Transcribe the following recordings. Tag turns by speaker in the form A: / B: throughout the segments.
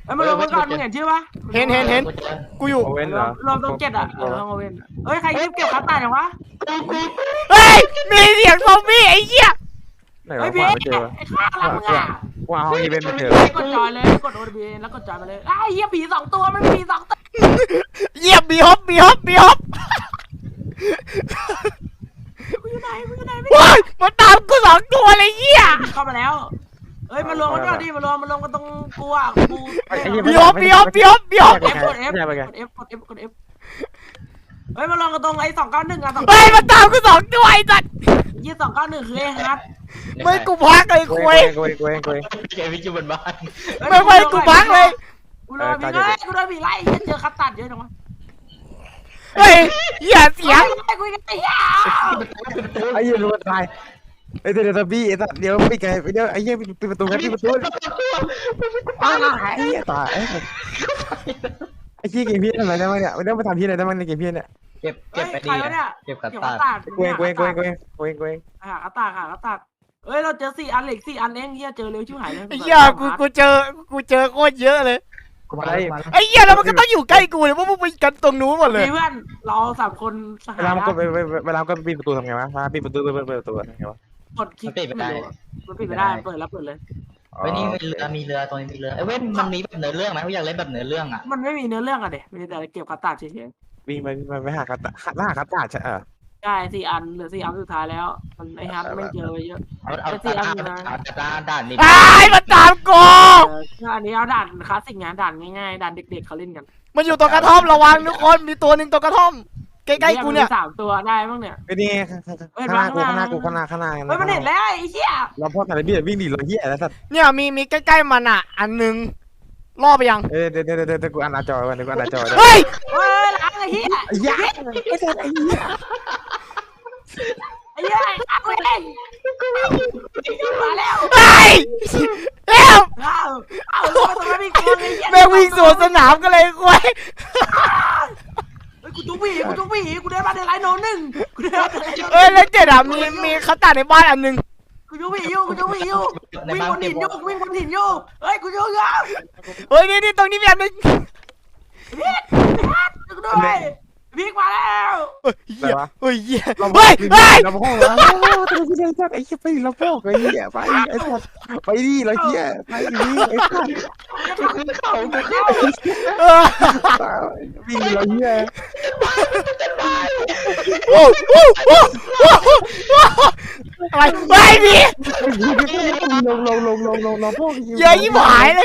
A: ไอ้ยมันลงมาก่อนมึงเห็นชื่อปะ
B: เห็นกูอยู่
C: โอเว่นเหรอ
A: รวมตรงเจ็ดอ่ะห้องโอเว่นเอ้ยใครรีบเก็บคัตตาร์อย่างวะ
B: เฮ้ยมีเสียงซอมบี้ไอ้เหี้ย
C: ไหน
A: เฮ้
C: วะ
A: ยพี่
C: ไม่เจอ
A: ไอ้ข้าหลังมึงอ่ะ
C: ว้าวอีเวนต์ไม่เจอ
A: กดจอยเลยกด OTB แล้วกดจอยมาเลยไอ้เหี้ยผีสองตัวมันผีสองตัว
B: เยี่ยมมีฮอป
A: กูอยู่ไหนไม่
B: ว้ายมันตามกู2 ตัวเลยเหี้ย
A: เข้ามาแล้วเอ้ยมารวมกันก่อนดิมารวมกันตรงกูอ่ะกู
B: มีฮอป
A: F กด F กด F กด F กด F เฮ้ยมารวมกันตรงไอ้291อ่ะ
B: เฮ้ยมันตามกู2 ตัวไอ้สัตว์
A: 291คือไอ้ฮัท
B: ไม่กูพักเลยคุย
C: กูเอง
D: แกวิจิบนบ้าน
B: ไม่กูพักเลย
A: กูโดนผีไล่เจอคัตตัดเยอะจังวะ
B: เฮ้ยเหี้ยเสียง
A: คุยกันไอ้เหี้ย
C: ไอ้เหี้ยรู้ว่าตายไอ้เดี๋ยวบี้ไอ้สัตว์เดี๋ยวปิดไงเดี๋ยวไอ้เหี้ยปิดประตูครับปิดประตูไอ้เหี้ยตายไอ้เหี้ยเกมพี่อะไรได้บ้างเนี่ยไม่ได้มาทำพี่อะไรได้บ้างในเกมพี่เนี่ย
D: เก็บไปดีเก็บกระ
A: เก็บ
D: ตา
A: คัตตัด
C: กูเองคัตตัด
A: เอ้ยเราเจอ4 อันเหล็ก4 อันเองเหี้ยเจอเร็วชิบหายเลย
B: ไอ้เหี้ยกูเจอโคตรเยอะเลย
D: กูมาแล้ว
B: ไอ้เหี้ยแล้วมันก็ต้องอยู่ใกล้กูเลยเพราะมึงไปกันตรงนู้นหมดเลย
A: เพื่อนเรา3 คนสหา
C: เวลามันก็เวลาก็ปิดประตูทำไงวะปิดประตูเปิดประตูทำไงวะ
A: กดคลิกมันปิดไม่ได้เปิดแล้วเปิดเลย
D: เว้ยนี่มีเรือตรงนี้มีเรือเว้ยมันมีแบบเนื้อเรื่องไหมกูอยากเล่นแบบเนื้อเรื่องอ่ะ
A: มันไม่มีเนื้อเรื่องอะเด็มีแต่เก็บคัตตัดเฉย
C: วิ่งไปหาคัตตัดใช่
A: ๆใช่4 อันเหลือ4 อันสุดท้ายแล้วมันไอ้ฮัทไม่เจอไปเยอะ
D: เอาด่านนี้
B: ไอ้มันตามกู
A: อันนี้เอาด่านคลาสสิกงานด่านง่ายๆด่านเด็กๆเขาเล่นกัน
B: มันอยู่ตรงกระท่อมระวังทุกคนมีตัวหนึ่งตรงกระท่อมใกล้ๆกูเนี่ย
A: 3 ตัวได้บ้างเนี่ย
C: ไอ้นี่ข้างหน้าข้างหน้า
A: เฮ้ยมันเห็นแล้วไอ้เหี้ย
C: เราพ่อแต่ละบี้วิ่งหนีเราเหี้ยแล้วสัตว์
B: เนี่ยมีใกล้ๆมันอ่ะอันหนึงล่อไปยัง
C: เดี๋ยวกูอ่านหน้าจอก่อนเดี๋ยวกูอ่านหน้าจอ
B: เฮ้ย
A: เฮ้ยล้างไอ้เหี้ย
C: ไอ้เหี้ยไอ้สัตว์ไอ้เหี้ย
A: ไอ้เหี้ยล้างเองมาแล้ว
B: เฮ้ยเอ้า
A: เอาตรงนั้นมีคนไอ้เหี้ย
B: แม่งวิ่งสวนสนามกันเลยคุย
A: กูจุกผีกูได้มาในไลน์โน1กูได้มาในไลน์โน
B: เอ้ยแล้วเจ็ดอ่ะมีคัตตาในบ้านอันหนึง
A: กูจุกผีอยู่วิ่งบนหินอยู่เฮ้ยกูจุกอยู่
B: เฮ้ยนี่ตรงนี้มีอันหนึง
A: กูด้วยพีกมาแล้ว
B: เฮ้ยเหี้ย
C: เรา
B: เฮ้ย
C: เราพ่อแล้วตัวพี่ไอ้สัตว์ไอ้เหี้ยไปเราพ่อไอ้เหี้ยไปไอ้สัตว์ไปดิเราเหี้ยไปดิไอ้สัตว์
B: เออ
C: วิ่งเราเหี้ย
B: โอ้อะไรไม่มี
C: ลงพ่อ
B: เยอะยิ่งหายเลย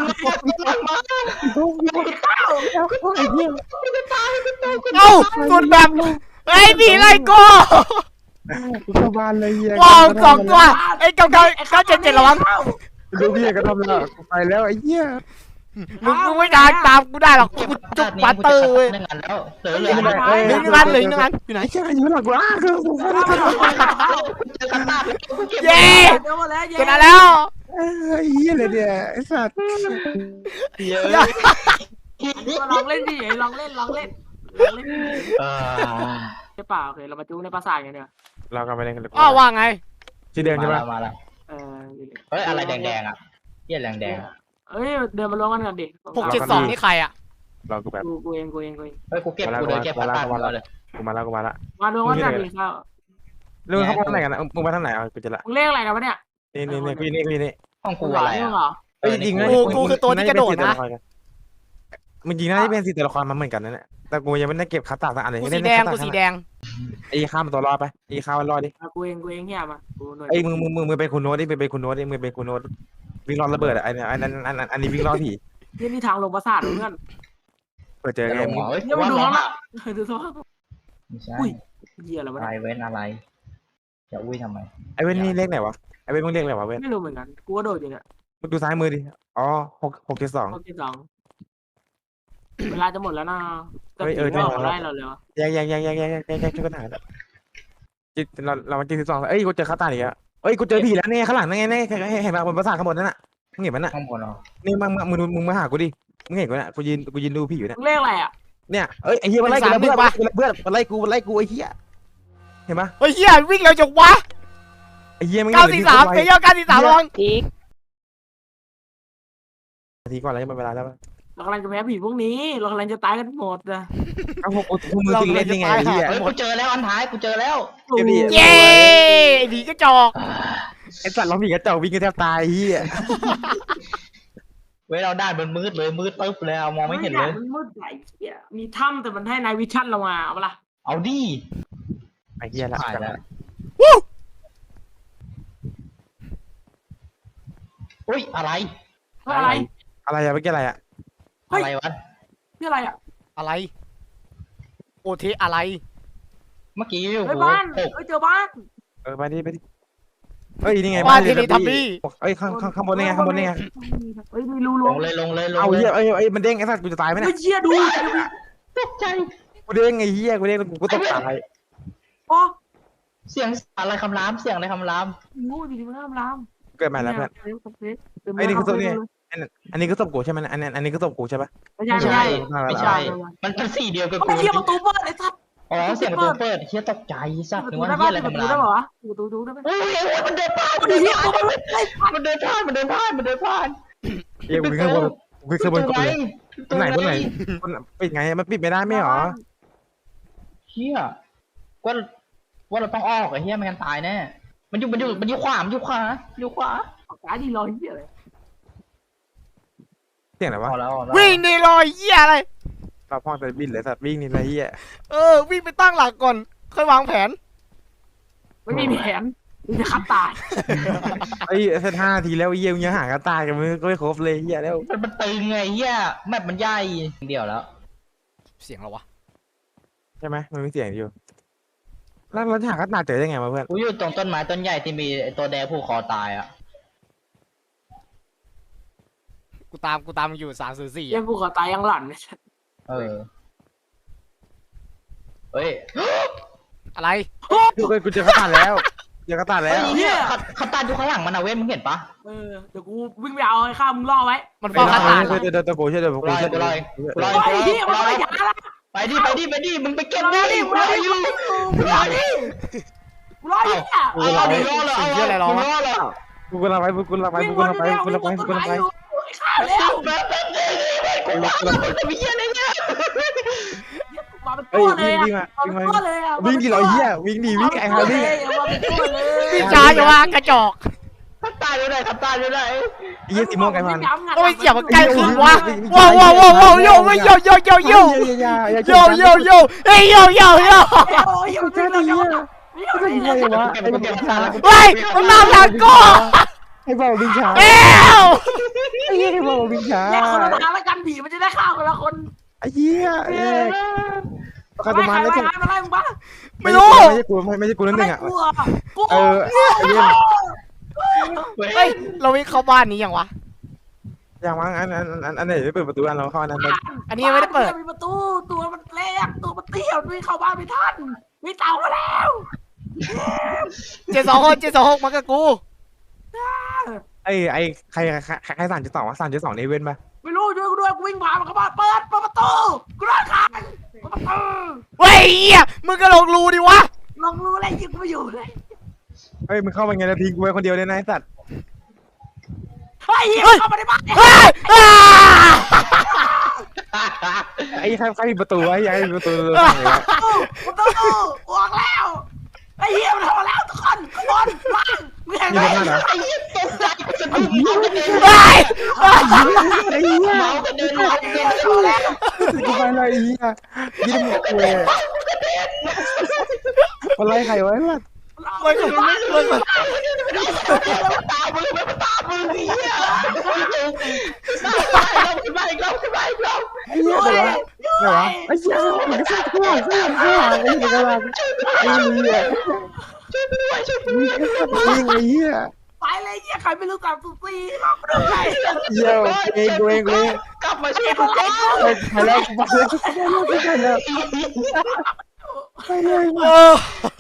B: เอ้าสุดแบบไอ้ผีไล่กู
C: เข้าบ้านเลยเหี้ย
B: ว้าว2 ตัวไอ้977ระวัง
C: ดูพี่ก็ทำแล้วไปแล้วไอ้เหี้ย
B: มึงไม่ได้ตามกูได้หรอกกูจุกปัตเตอร์เว้ย
D: หนึ่งอันแล้วเหลือ
B: หนึ่งอันอยู่ไหน
C: ไอ้เหี้ยอยู่หลังกูอ้าคือกู
D: เจอกระตาแล้วกูเก็บ
B: เย้
A: เดี๋ยวหมดแล้ว
B: ชนะแล้ว
C: ไอ้เหี้ยเลยเนี่ยไอ้สัตว์
D: เยอะ
A: ลองเล่นดิลองเล่นใช่เปล่าโอเคเรามาจูในปราสาทกันเนี่ย
C: เรากำลังไปเล่นกันเลย
B: อ้าวว่าไง
C: ชื่อเดิมใช่ไหม
D: มาแล้ว
A: เออ
D: เฮ้ยอะไรแดงอ่ะเหี้ยแดง
A: เอ้ยเดินมาลงกันก่อนดิ
B: 672นี่ใครอ่ะ
C: เรากูแบบ
A: กูเอง
D: เฮ้ยกูเก็บกูเดินเก็บกระตาเลย
C: กูมาแล้ว
A: มาลงกันก่อนดิเข้า
C: เรื่องเขาไปทางไหนกันนะมึงไปทางไหนอ่ะกูจะละ
A: มึงเรียกอะไรนะวะเนี่ย
C: นี่กูนี่
D: ห้องกู
A: หวา
D: อะไร
A: น
D: อ่ะ
A: เหรอ
C: เอ้ยจริงนะมันจริงนะที่เป็น4 ตัวละครมันเหมือนกันนั่นแหละแต่กูยังไม่ได้เก็บคัตตาสักอันเลย
B: กูสีแดง
C: ไอ้ข้ามตัวรอดไปไอ้ข้ามรอดดิ
A: กูเองเฮียมากูหน่อย
C: ไอ้มึงเป็นคุณโน้ตดิเป็นคุณโน้ตดิมึงเป็นคุณโน้ตวิ่งรอดระเบิดอ่ะไอ้อันนี้วิ่งรอดผี
A: นี่ทางลงปราสาทเพื่อน
C: เปิดเจอไงมึง
D: เฮ้ย
A: เนี่ยมึงดู
D: ร้อ
A: เขา
D: น
A: ละ
D: อ่ะ
A: ดูสภาพ
D: ไม่ใช่
A: เหี้ยอะไรวะ
D: อะไร
A: เนี่ย
D: เว้นอะไรจะอุ้ยทำไม
C: ไอ้เว้นนี่เลขไหนวะไอ้เว้นมึงเลขอะไรวะเว้น
A: ไม่รู้เหมือนกันกูก็โดดอยู่เนี่ย
C: มึงดูซ้ายมือดิอ๋อ672
A: ข้อที่2เวลาจะหมดแล้วนะแต่ผีไม่ออกมาไล่เราเลยวะ
C: แยกช่วยกันหาจิตเรามา72เอ้ยกูเจอคัตตาอีกแล้วเอ้ยกูเจอผีแล้วเนี่ยข้างหลังนั่นไงเนี่ยเห็นป่ะบนปราสาทข้างบนนั่นน่ะมึงเห็นมันน่ะ
D: ข้างบนเหรอ
C: นี่มึงมาหากูดิมึงเห็นกูน่ะกูยืนดูผีอยู่เนี่ย
A: มึงเรียกอะไรอ่ะ
C: เนี่ยเอ้ยไอ้เหี้ยมันไล่กูเพื่อนมันไล่กูไอ้เหี้ยเห็นปะ
B: เฮ้ยเหี้ยวิ่งเร็วจังวะ
C: ไอ้เหี้ยมัน
B: 943ไอ้เหี้ย943ระวัง
A: อีก
C: นาทีก่อนแล้วมันเวลาแล้ว
A: เรากำลังจะแพ้ผีพวกนี้เรากำลังจะตายกันหมดนะ
C: เอ้าพวกมึงจริงเล่นยังไงไอ้เหี้ย
D: เฮ้ยกูเจอแล้วอันท้ายกูเจอแล้ว
B: เย้ไอ้ผีกระจอก
C: ไอ้สัตว์เราผีกระจอกวิ่งกันแทบตายเหี้ย
D: เว้ยเราด้านมันมืดเลยมืดตึ๊บเลยมองไม่เห็นเลย
A: มันมืดไหลเหี้ยมีถ้ำแต่มันให้นายวิชั่นเรามาเอาปะล่ะ
D: เอาดิ
C: ไอ้เหี้ยละ
D: ถ่ายแล้วอุ้ยอะไร
A: อะไร
C: อะไรอะเมื่อกี้อะไรอะ
D: อะไรวะ
A: นี่อะไรอ่ะ
B: อะไรโอเทอะไร
D: เมื่อกี้
A: เฮ้
D: โอ้
A: ย
D: โห
A: บ้าน
D: ตก
A: เฮ้ยเจอบ้าน
C: ไปดิเฮ้ยนี่ไง
B: บ้านที่นี่ทับบี้
C: เอ้ยข้างบนนี่ไงข้างบนนี่ไง
A: เฮ้ยมีรู
D: ล
A: ล
D: งเลยลงเลยลง
C: เอา
D: เล
C: เหี้ย
D: ย
C: เอ้ยมันเด้งไอ้สัตว์กูจะตายไหม
A: เฮ้
C: เนี่ย
A: ยเชี่ยดู
D: ตกใจ
C: กูเด้งไอ้เหี้ยกูเด้งกูต้องตาย
A: โอ้
D: เสียงอะไรคำรามเสียงอะไรคำราม
A: งูอยู่ที่มันห้ามลาม
C: เกิดใหม่แล้วเพื่อนไอ้นี่คือตัวนี้อันนี้ก็ศพกูใช่ไหมอันนี้ก็ศพกูใช่ปะ
A: ไม่ใช่ไม่ใช่
D: ไม่ใช่มันสีเดียวกับ
A: ไอ้
D: กู
A: เหี้ยประตูเปิดไอ้สัตว์
D: อ๋อเสียงประตูเปิดเฮียตกใจสัต
A: ป
D: ว์
A: ระ
D: นึ
A: ตู
D: กว่า
A: ได้
D: เฮี
A: ปะ
D: ยอะไร
A: ประ
D: คำ
A: ตู
D: ราม
A: ได้ปะวะประตูได้ปะ
D: โอ้ยมันเดินผ่าน
A: ไอ้เหี้ยมันไม่ได้
D: มันเดินผ่านมันเดินผ่านมันเดินผ่าน
C: เอ้ยวิ่งข้างบนวิ่งข้างบน
D: ตัว
C: กู
D: ไหน
C: เลยบนไหนปิดไงมันปิดไม่ได้ไม่หรอ
D: เฮียว่าเราต้องออกไอ้เฮียไม่งั้นตายแน่มันอยู่ขวาอยู่ขวา
A: ตายดีรอเหี้ยเลย
C: เสียงอะไรวะ
D: เอาแล้ว
B: วิ่งนี่รอยเหี้ยอะไร
C: เราพ่อจะบินเลยสัตว์วิ่งนี่ไรเหี้ย
B: วิ่งไปตั้งหลักก่อนค่อยวางแผน
A: ไม่มีแผนมีแต่ขับตาย
C: ไอ้เซต5 ทีแล้วเยี่ยมยังหากันตายกันมึงก็ไม่ครบเลยเหี้ยแล้ว
D: มันตึงไงเฮียแมปมันใหญ่เดียวแล้ว
B: เสียงอะไรวะ
C: ใช่ไหมมันมีเสียงอยู่แล้วเราจะหากันตายเจอได้ไงวะเพื่อน
D: กูอยู่ตรงต้นไม้ต้นใหญ่ที่มีตัวแดงผูกคอตายอ่ะ
B: กูตามอยู่304
A: เหี้ยกูขอตายยังหลั่นเนี่ย
D: เออเฮ้ย
B: อะไร
C: กูเจอกันตายแล้วเจอกันตายแล้ว
D: เฮียเขาตายอยู่ข้างหลังมันอะเว้ยมึงเห็นปะ
A: เดี๋ยวกูวิ่งไปเอาไอ้ข้ามึงล่อไว้
B: มันเฝ้าคาตา
C: เดี๋ยวกูช่วยเดี๋ยวกูช่วย
A: ไอ้เหี้ยมันไม่ยาละ
D: ไปดิมึงไปเก็บ
A: รอ
D: ดิ
A: ดิรอดิรอดิรอดิ
D: เอาดิรอเลยเอามึงรอเลย
C: กูกำลังไปกูกำลังไป
A: วิ่ง
C: กู
A: วน
C: กำลัง
A: อยู่
C: ไป
A: แล้ว
C: กู
A: วิ่
C: กำลังไปกูกำลังไป
A: งวนอยู่ข้าแล้ว
D: แบบกูว่ามันจะมีเฮียอะไรเนี่ย
A: มาเป็น
C: เฮ้ย
A: ตัวเลย
C: วิ่ง
A: อ่ะ
C: มา
A: มาเป็นตัวเลยอ่ะ
C: วิ่งดิเราเหี้ยวิ่งดิวิ่งไอ้ฮาร์ดี้
A: มาเป็นตัวเลย
B: วิ่งช้าอย่าว่ากระจอก
D: ขับตายอยู่ไหน
C: ไอ้เหี้ยสีม่วงไอ้พัน
B: ก็ไม่เสียบมันใกล้ขึ้นวะว้าวโยไม่โยเฮ้ยมันตามหลังกู
C: ไอ้บอกวิ่งช้า
B: เอ้ว
C: ไอ้เหี้ยไอ้บอกวิ่งช้า
A: แยกคนละทางแล้วกันผีมันจะได้ฆ่าคนละคน
C: ไอ้เหี้ยแยกใครประมาณ
A: ไม่
C: ไม่
A: ใช่มึงบ้า
B: ไม่รู้
C: ใช่กูไม่ใช่กูนั่นหนึ่งอ่ะ
A: กู
C: ไอ้เหี้ย
B: เฮ้ยเราวิ่งเข้าบ้านนี้ยังวะ
C: อย่างมั้งอันไหนไม่เปิดประตูอันเราเข้าอันนั้น
B: อันนี้ยังไม่ได้เปิด
A: มีประตูตัวมันเล็กตัวมันเตี้ยไม่เข้าบ้านไม่ทันมีเต่ามาแล้ว
B: 726มากับกู
C: ไอ้ใคร3.2วะ3.2นี่เว้นปะ
A: ไม่รู้ช่วยกูด้วยกูวิ่งผ่านมันเข้าบ้านเปิดประตูกูรอดขาประตู
B: เฮ้ยมึงก็ลงรูดิวะ
A: ลองรู้อะไรยิงกูอยู่เลย
C: เฮ้ยมึงเข้ามาไงนะทิ้งกูไว้คนเดียวเลยนะไอ้สัตว์
A: เฮ้ยเข้ามาในบ้าน
B: เฮ้ย
C: ไอ้ใครปิดประตูไว้ไอ้ประตู
A: ประตูออกแล้วไอ้เหี้ยมันทำแล้วทุกคนทุกคนมามึงเห็นไหม
D: ไอ้เหี้ยตกใจกูจะพึ่งเมากันเดิน
B: เฮ้ย
C: ไอ้เหี้ย
D: เมากันเดินเมากันเดิน
C: กูไปเลยไอ้เหี้ยยิ้มกูเลยอะไรใครวะล่ะ
B: มัน
D: ตามมึงเฮียมาอีกรอบ
C: ไอ้เหี้ยอะไรวะไอ้เหี้ยมันก็ช่วยไอ้เหี้ยไอ้เหี้ยไอ้เหี้ยวิ่งไอ้เหี้ย
A: ไปเลยเหี้ยใครไม่รู้จักสุซี่ลองดูไป
C: เหี้ยกูเอง
D: กลับมาช่วยกู
C: ไปแล้วไปเลย
B: เออ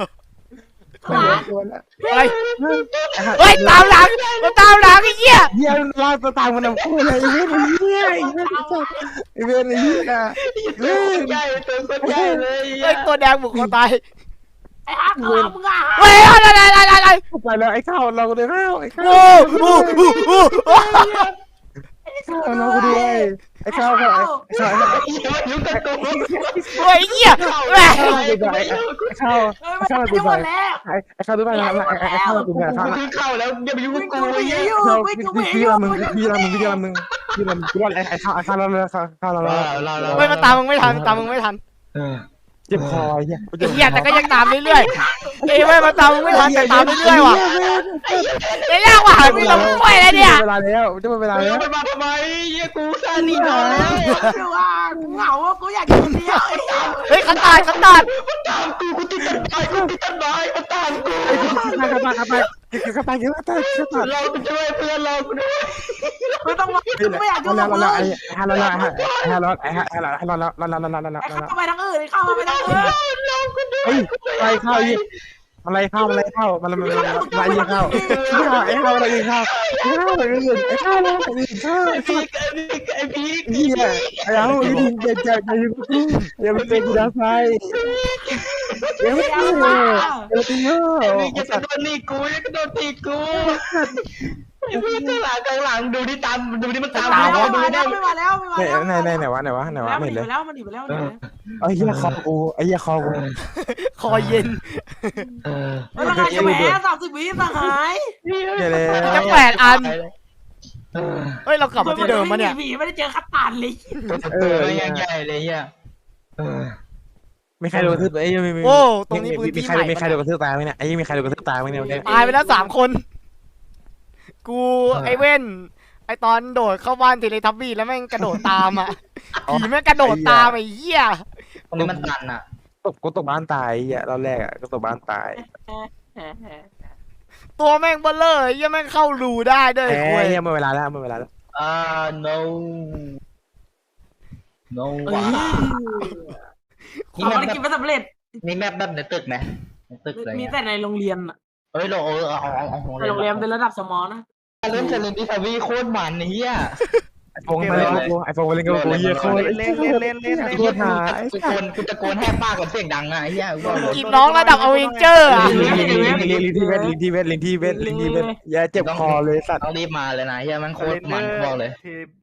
B: อะไรเฮ้ยตามหลังมันตามหลังไอ้เหี้ย
C: เหี้ยลากตัวตามมันเอาคู่เลยไอ้เว้นไอ้เหี้ยไอ้เว้นไอ้เหี้ยเว้น
D: ใหญ่ตัวใหญ่เลย
B: เฮ้ยตัวแดงบุกคอตาย
A: ไอ้ฮักมึงอ่ะ
B: เฮ้ยอะไร
C: ไปแล้วไอ้ข้าวเราเลยข้าวไอ้ข้าว
B: โอ้โห
C: ข้าวน้องกูด้วยไอ้ข้าวไอ้ข้าว
D: อย่ามายุ่งกับกู
B: เฮ้ยเหี้ยแหม่
C: ข้าว
A: เฮ้ยมันจะหมดแล้ว
C: ไอ้ข้าวรู้ป่ะไอ้ข้าวกูเนี่ยข้าว
D: มึงขึ้นเข้าแล้วอย่ามายุ่ง
A: มึ
D: กับ
A: ง
D: กู
A: กู
D: ไอ้
A: หนี
D: เหี้ย
A: อยู่
C: เรา
A: มึงกูหนี
C: พี่
A: อยู่
C: ละมึงพี่ละมึงกูว่าไอ้ข้าวเราข้าวเรา
B: เฮ้ยมันตามมึงไม่ทันตามมึงไม่ทัน
C: เจ็บคอไอ้เหี้ย
B: ไอ้เหี้ยแต่ก็ยังตามเรื่อยๆเอ้ยไม่มาตามมึงไม่ทันแต่ตามเรื่อยๆว่ะเอ้ยยากว่ะมึงลงกล้วยเลยเนี่ย
C: เวลาแล้วจะเวลา
D: เฮ้ย
C: แล้ว
D: มันมาทำไมเหี้ยกูซาหนีนอนแล้ว
A: ดูว่ากูเหงาว่ากูอยากอยู่คนเดียว
B: เฮ้ยขันตาด
D: มันตามกูติดต้นไม้มันตามกู
C: กระต่าย
D: เราไปช่วยเพื่อนเรากูด้วย
A: ไม่ต้องมาไม่อยากอยู่กับมึง
C: ให้เรา
A: เข้าไปทางอื่นเข้าไปทางอื่น
C: เฮ้ยอะไรข้าวยี่อะไรข้าวมันอะไรข้าวไอ้ข้าวไอ้ข้าวอะไรข้าวไอ้ข้าวอะไรไอ้ข้าวอะไรข้าว
D: ไอ้พีก
C: เฮียไอ้เอาอย่าไปเป็นกูดาไฟอย่าไปตีเฮ้ย
D: ไอ้พีกจะกระโดดตีกูไอ้พีกข้างหลังดูดิตามดูดิมันตาม
A: มา
D: เราดู
A: แล้ว
D: ดิ
A: ไม่มาแล้วไม่มาแล้ว
C: ไหนวะไม่
A: มัน
C: เห็น
A: หนี
C: เลย
A: ไปแล้วมันหนีไปแล้วมันหนีไปแล้ว
C: ไอ้เหี้ยคอกูไอ้เหี้ยคอกู
B: คอเย็น
A: แล้วก็จะแพ้30 วิสหาย
C: อย่าเลย
B: จะ8 อันเฮ้ยเรากลับมาที่เดิมมาเนี่ย
A: ไม่ได้เจอคัตตานเลย
D: ไม่ยังใหญ่เลยเฮีย
C: มีใครโดนกระทืบไอ้
B: โอ้ตรงนี้พื้น
C: มี
B: ที่
C: ใคร
B: ใหม่
C: มีใครโดนกระทืบตายไหมเนี่ยไอ้มีใครโดนกระทืบตายไหมเนี่ย
B: ตายไปแล้ว3 คนกูไอ้เว้นไอ้ตอนโดดเข้าบ้านเทเลทับบี้แล้วแม่งกระโดดตามอ่ะผีแม่งกระโดดตามไอ้เหี้ย
D: ตรงนี้มันตันอ่ะ
C: กูตกบ้านตายอ่ะรอบแรกอ่ะก็ตกบ้านตาย
B: ตัวแม่งเบลเลอร์ไอ้เหี้ยแม่งเข้ารูได้ด้วย
C: เอ้
B: คุย
C: ยเมื่อเวลาแล้ว
D: no ว้า
A: นี่มันกินไม่สำเร็จ
D: มีแมปแบบในตึกไหมในตึกอะไร
A: มี
D: เงี้ย
A: แต่ในโรงเรียนอะ
D: เฮ้ยเราเอา
A: ในโรงเรียนเป็นระดับสมอนะ
D: เล่นเซเลนดิทาวีโคตรมันเฮีย
C: ไอโฟนมาเล่นกูไอโฟนมาเล่นกูเฮียโคตรโคตรหา
D: กูตะโกนแหบปากกับเสียงดังอ่ะเฮีย
B: กินน้องระดับอเวนเจอร์อ่ะ
C: ลิงที่เวทอย่าเจ็บคอเลยสัตว์
D: ต้องรีบมาเลยนะเฮียมันโคตรมันบอกเลย
B: ที